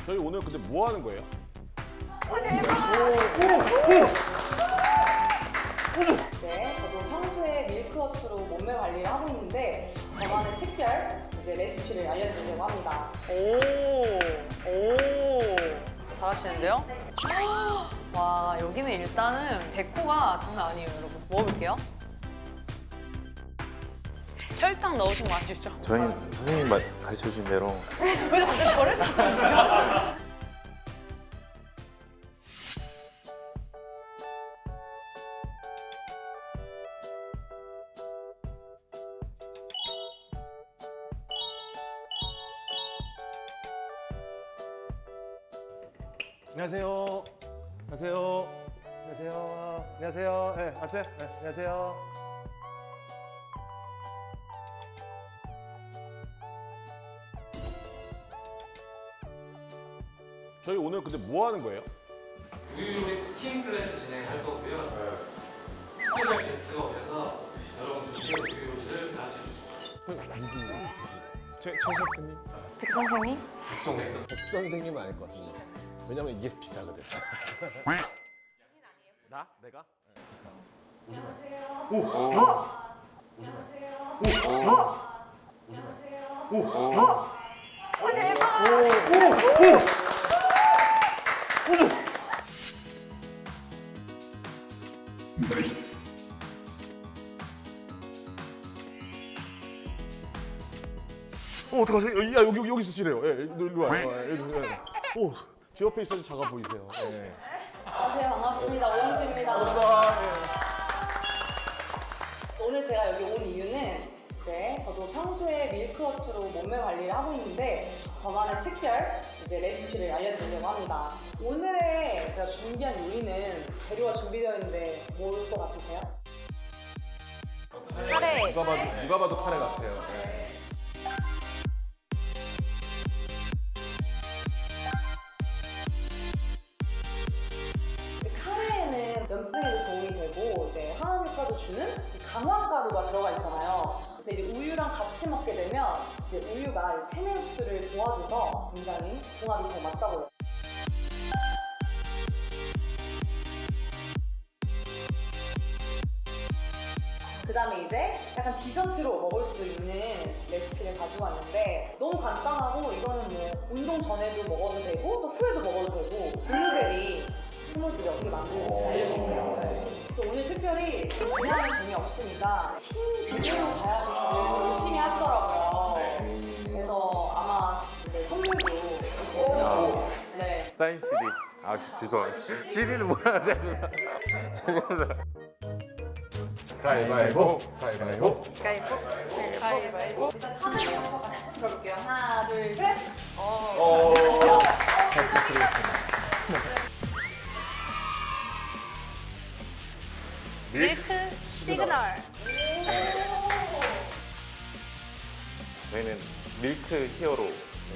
저희 오늘 근데 뭐 하는 거예요? 이제 저도 평소에 밀크워트로 몸매 관리를 하고 있는데 저만의 특별 이제 레시피를 알려드리려고 합니다. 오, 잘하시는데요? 와, 여기는 일단은 데코가 장난 아니에요, 여러분. 먹어볼게요. 설탕 넣으신 거 아시죠? 저희 선생님 가르쳐 주신 대로 왜 갑자기 저를 탓하시죠? 안녕하세요. 안녕하세요. 안녕하세요. 안녕하세요. 네, 왔어요? 네, 안녕하세요. 저희 오늘 근데 뭐 하는 거예요? 우유 요리 쿠킹 클래스 진행할 거고요. 스페셜 게스트가 오셔서 여러분들께 우유 요리를 가르쳐 주십니다. 최 셰프님? 백 선생님? 백 선생님은 아닐 것 같은데. 왜냐면 이게 비싸거든. 나? 내가? 오지 마. 오! 오지 마. 오지 마. 어떡하세요? 야, 여기 있으시래요. 예, 일로 와요. 오, 제 옆에 있어도 작아 보이세요. 예. 안녕하세요. 반갑습니다. 오은주입니다. 반갑습니다. 예. 오늘 제가 여기 온 이유는 이제 저도 평소에 밀크워트로 몸매 관리를 하고 있는데 저만의 특별 이제 레시피를 알려드리려고 합니다. 오늘의 제가 준비한 요리는 재료가 준비되어 있는데 뭘 것 같으세요? 카레. 누가 봐도 카레 같아요. 예. 이제 카레에는 염증에도 도움이 되고 이제 항암 효과도 주는 강황가루가 들어가 있잖아요. 근데 이제 우유랑 같이 먹게 되면 이제 우유가 이 체내 흡수를 도와줘서 굉장히 궁합이 잘 맞다고 해요. 그 다음에 이제 약간 디저트로 먹을 수 있는 레시피를 가지고 왔는데 너무 간단하고 이거는 뭐 운동 전에도 먹어도 되고 또 후에도 먹어도 되고 블루베리 스무디를 어떻게 만드는지 알려드릴게요. 그래서 오늘 특별히 그냥 재미없으니까 팀 비주얼로 가야지 다들 열심히 하시더라고요. 그래서 아마 이제 선물도 있을 네. 사인 CD. 아 죄송합니다. CD는 뭐라 그래? 가위바위보. 가위바위보. 가위바위보. 일단 사진부터 같이 손 들어볼게요. 하나, 둘, 셋. 밀크 시그널. 저희는 밀크 히어로.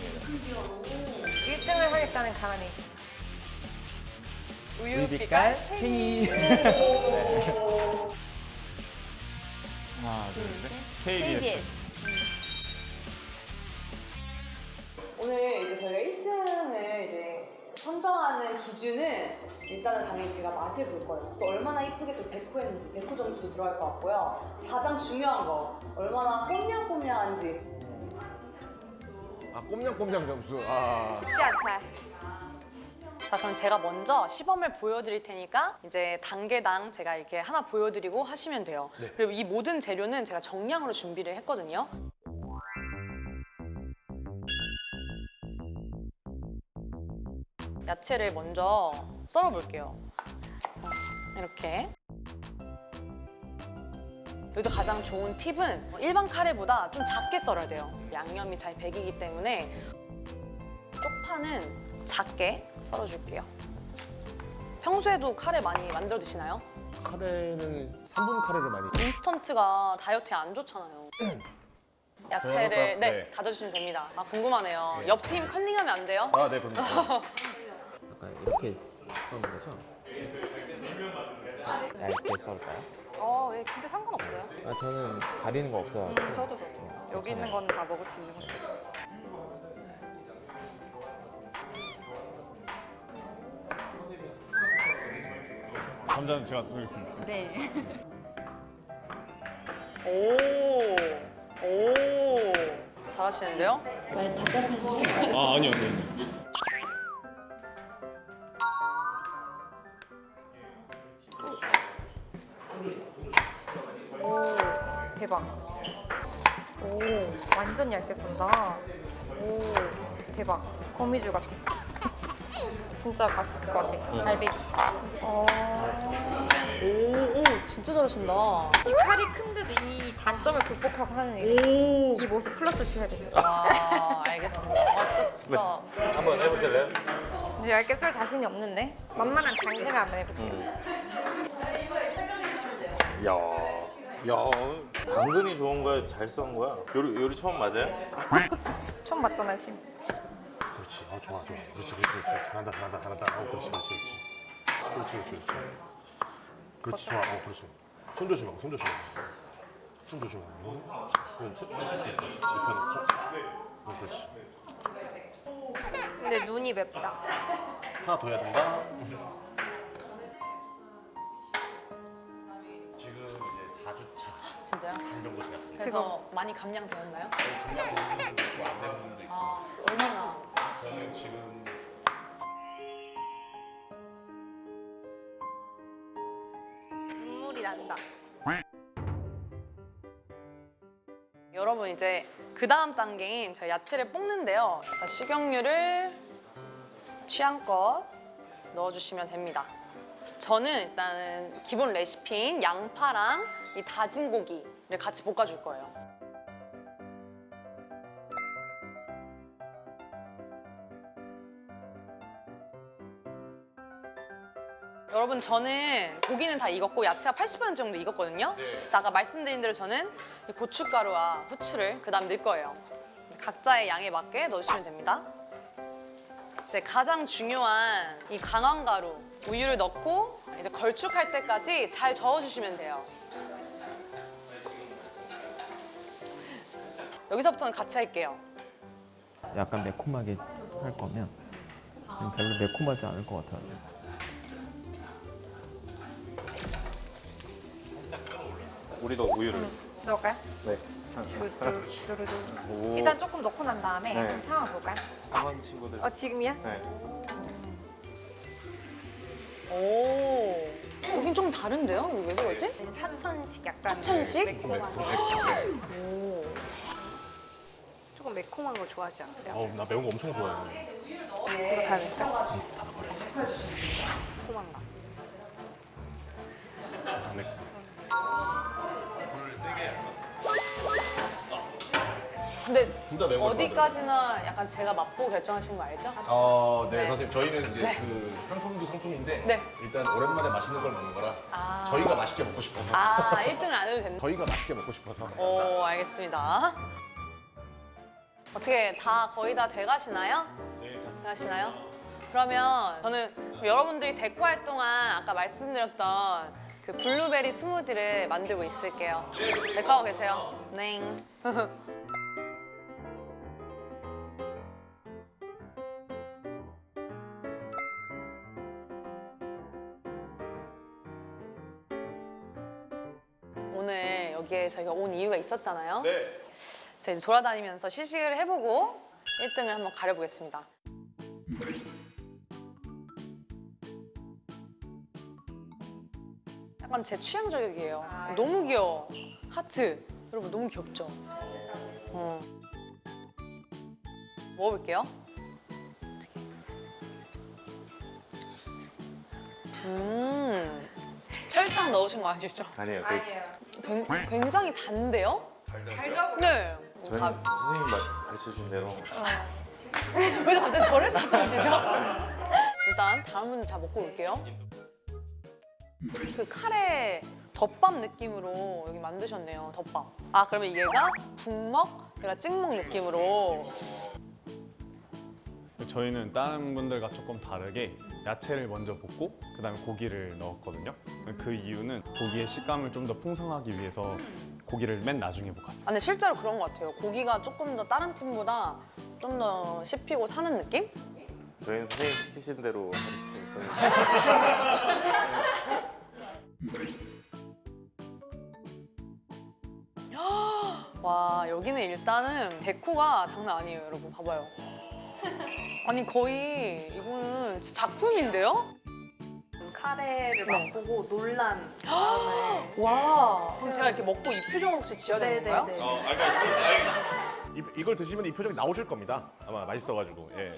1등을 하겠다는 가난이. 우유 빛깔 팽이. 하나, 둘, 셋. KBS. 오늘 이제 저희가 1등을 이제 선정하는 기준은 일단은 당연히 제가 맛을 볼 거예요. 또 얼마나 이쁘게 또 데코했는지 데코 점수도 들어갈 것 같고요. 가장 중요한 거 얼마나 꼼냥꼼냥한지. 아, 꼼냥꼼냥 점수. 아. 쉽지 않다. 자, 그럼 제가 먼저 시범을 보여드릴 테니까 이제 단계당 제가 이렇게 하나 보여드리고 하시면 돼요. 그리고 이 모든 재료는 제가 정량으로 준비를 했거든요. 야채를 먼저 썰어볼게요. 이렇게. 여기서 가장 좋은 팁은 일반 카레보다 좀 작게 썰어야 돼요. 양념이 잘 배기기 때문에 쪽파는 작게 썰어줄게요. 평소에도 카레 많이 만들어 드시나요? 카레는 3분 카레를 많이. 인스턴트가 다이어트에 안 좋잖아요. 야채를 네. 다져주시면 됩니다. 아, 궁금하네요. 옆팀 컨닝하면 안 돼요? 아, 네, 그럼. 약간 이렇게 써는 거죠? 얇게 썰까요? 예, 근데 상관없어요. 아, 저는 가리는 거 없어요. 저도. 여기 있는 건 다 먹을 수 있는 거죠. 감자는 제가 드리겠습니다. 네. 오. 잘하시는데요? 많이 답답하셨어요? 아 아니요 아니요. 대박. 오, 완전 얇게 썬다. 오, 대박. 거미줄 같아. 진짜 맛있을 것 같아. 갈비. 오, 진짜 잘하신다. 이 칼이 큰데도 이 단점을 극복하고 하는 이 모습 플러스 주셔야 됩니다. 와, 알겠습니다. 와, 진짜. 한번 해보실래요? 근데 얇게 쏠 자신이 없는데 만만한 당근을 한번 해볼게요. 야, 당근이 좋은 거야? 잘 썬 거야? 요리 처음 맞아요? 처음 봤잖아요 지금. 그렇지. 좋아. 그렇지. 잘한다. 그렇지. 그렇지. 좋아. 그렇지. 손 조심하고. 그렇지. 근데 눈이 맵다. 하나 더 해야 된다. 지금 이제 4주차 진짜요? 정도 지났습니다. 그래서 많이 감량되었나요? 안된 분도 있고. 아, 얼마나? 저는 지금 눈물이 난다. 여러분 이제 그 다음 단계인 저희 야채를 볶는데요. 일단 식용유를 취향껏 넣어주시면 됩니다. 저는 일단은 기본 레시피인 양파랑 이 다진 고기를 같이 볶아줄 거예요. 여러분 저는 고기는 다 익었고 야채가 80% 정도 익었거든요. 그래서 아까 말씀드린 대로 저는 이 고춧가루와 후추를 그 다음 넣을 거예요. 각자의 양에 맞게 넣어주시면 됩니다. 이제 가장 중요한 이 강황가루, 우유를 넣고 이제 걸쭉할 때까지 잘 저어주시면 돼요. 여기서부터는 같이 할게요. 약간 매콤하게 할 거면 별로 매콤하지 않을 것 같아요. 우리도 우유를. 넣을까요? 네. 두두두두두. 오. 일단 조금 넣고 난 다음에 네. 상황 볼까요? 상황 친구들. 지금이야? 네. 오, 여긴 좀 다른데요? 이거 왜 그러지? 사천식 약간 사천식? 매콤한 거. 오. 조금 매콤한 거 좋아하지 않으세요? 나 매운 거 엄청 좋아해요. 이거 다 넣을까? 매콤한 거. 근데 둘 다 매운 거 어디까지나 약간 제가 맛보고 결정하신 거 알죠? 네, 네. 선생님 저희는 이제 네. 그 상품도 상품인데 네. 일단 오랜만에 맛있는 걸 먹는 거라 아. 저희가 맛있게 먹고 싶어서 아, 1등을 안 해도 된다. 저희가 맛있게 먹고 싶어서 오, 알겠습니다. 어떻게 다 거의 다 돼가시나요? 네. 돼가시나요? 그러면 저는 여러분들이 데코 할 동안 아까 말씀드렸던 그 블루베리 스무디를 만들고 있을게요. 데코하고 계세요? 네. 오늘 여기에 저희가 온 이유가 있었잖아요. 네. 제가 이제 돌아다니면서 시식을 해보고 1등을 한번 가려보겠습니다. 약간 제 취향 저격이에요. 너무 귀여워. 하트. 여러분 너무 귀엽죠? 먹어볼게요. 설탕 넣으신 거 아시죠? 아니에요. 저희 굉장히 단데요? 달다고. 네. 저희 선생님 가르쳐 주신 대로. 왜 갑자기 저를 탓하시죠? 일단 다른 분들 다 먹고 올게요. 그 카레 덮밥 느낌으로 여기 만드셨네요. 덮밥. 아 그러면 얘가 북먹, 얘가 찍먹 느낌으로. 저희는 다른 분들과 조금 다르게 야채를 먼저 볶고 그다음에 고기를 넣었거든요. 그 이유는 고기의 식감을 좀 더 풍성하기 위해서 고기를 맨 나중에 볶았어요. 아, 근데 실제로 그런 것 같아요. 고기가 조금 더 다른 팀보다 좀 더 씹히고 사는 느낌? 저희는 선생님 시키신 대로 하겠습니다. 와, 여기는 일단은 데코가 장난 아니에요, 여러분. 봐봐요. 아니, 거의 이거는 진짜 작품인데요? 카레를 네. 맛보고 놀란 마음을. 와, 그럼 제가 이렇게 먹고 이 표정을 혹시 지어야 되는 건가요? 이걸 드시면 이 표정이 나오실 겁니다. 아마 맛있어가지고. 예.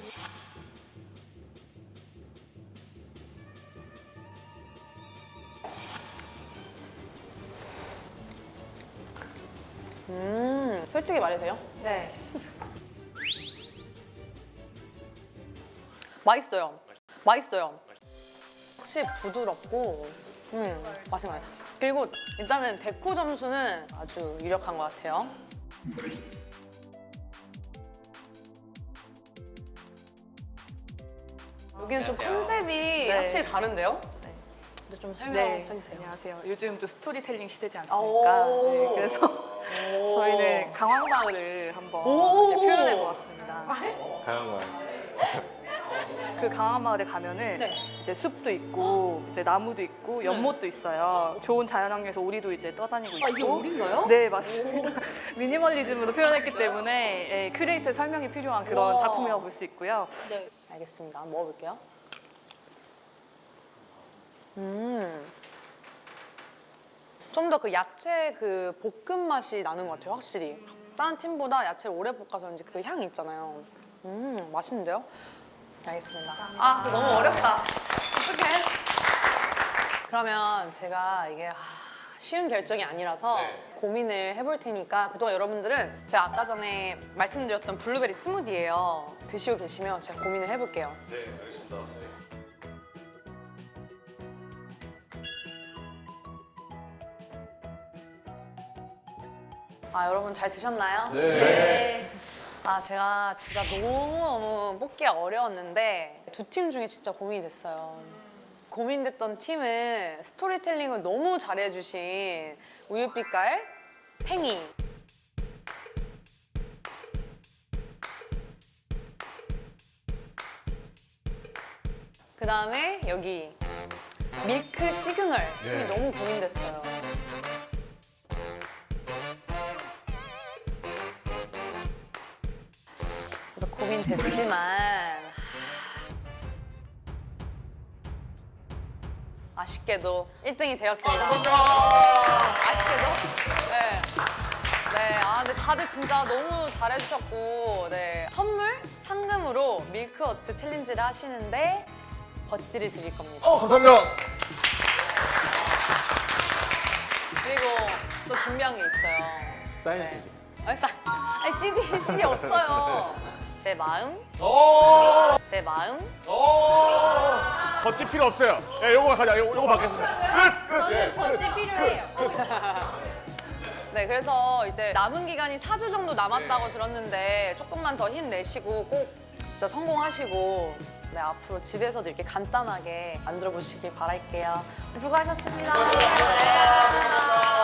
솔직히 말해세요. 네. 맛있어요. 맛있어요. 확실히 부드럽고, 맛있어요. 그리고 일단은 데코 점수는 아주 유력한 것 같아요. 여기는 좀 컨셉이 확실히 다른데요? 네. 근데 좀 설명해 네. 주세요. 안녕하세요. 요즘 또 스토리텔링 시대지 않습니까? 네, 그래서 저희는 강황마을을 한번 이렇게 표현해 보았습니다. 가는 거야. 그 강황마을에 가면은 네. 이제 숲도 있고 이제 나무도 있고 연못도 있어요. 좋은 자연환경에서 오리도 이제 떠다니고 있고. 이게 오리인가요? 네, 맞습니다. 미니멀리즘으로 표현했기 때문에 예, 큐레이터 설명이 필요한 그런 우와. 작품이라고 볼 수 있고요. 네. 알겠습니다. 한번 먹어볼게요. 좀 더 그 야채 그 볶음 맛이 나는 것 같아요, 확실히. 다른 팀보다 야채를 오래 볶아서 그런지 그 향이 있잖아요. 맛있는데요? 알겠습니다. 아, 진짜 너무 어렵다. 어떡해. 그러면 제가 이게 쉬운 결정이 아니라서 고민을 해볼 테니까 그동안 여러분들은 제가 아까 전에 말씀드렸던 블루베리 스무디예요. 드시고 계시면 제가 고민을 해볼게요. 네, 알겠습니다. 아, 여러분 잘 드셨나요? 네. 아, 제가 진짜 너무너무 뽑기가 어려웠는데 두 팀 중에 진짜 고민이 됐어요. 고민됐던 팀은 스토리텔링을 너무 잘해주신 우유빛깔 팽이. 그 다음에 여기 밀크 시그널 팀이 네. 너무 고민됐어요. 그래서 고민됐지만 아쉽게도 1등이 되었습니다. 아쉽게도. 네. 네. 아, 근데 다들 진짜 너무 잘해주셨고, 네. 선물 상금으로 밀크워트 챌린지를 하시는데 버찌를 드릴 겁니다. 감사합니다. 그리고 또 준비한 게 있어요. 사인 네. CD. 아니, CD 없어요. 제 마음. 제 마음. 버티 필요 없어요. 예, 요거 가자. 요거 받겠습니다. 저는 버찌 필요해요. 네, 그래서 이제 남은 기간이 4주 정도 남았다고 들었는데 조금만 더 힘내시고 꼭 진짜 성공하시고 네, 앞으로 집에서도 이렇게 간단하게 만들어 보시길 바랄게요. 수고하셨습니다. 네, 감사합니다.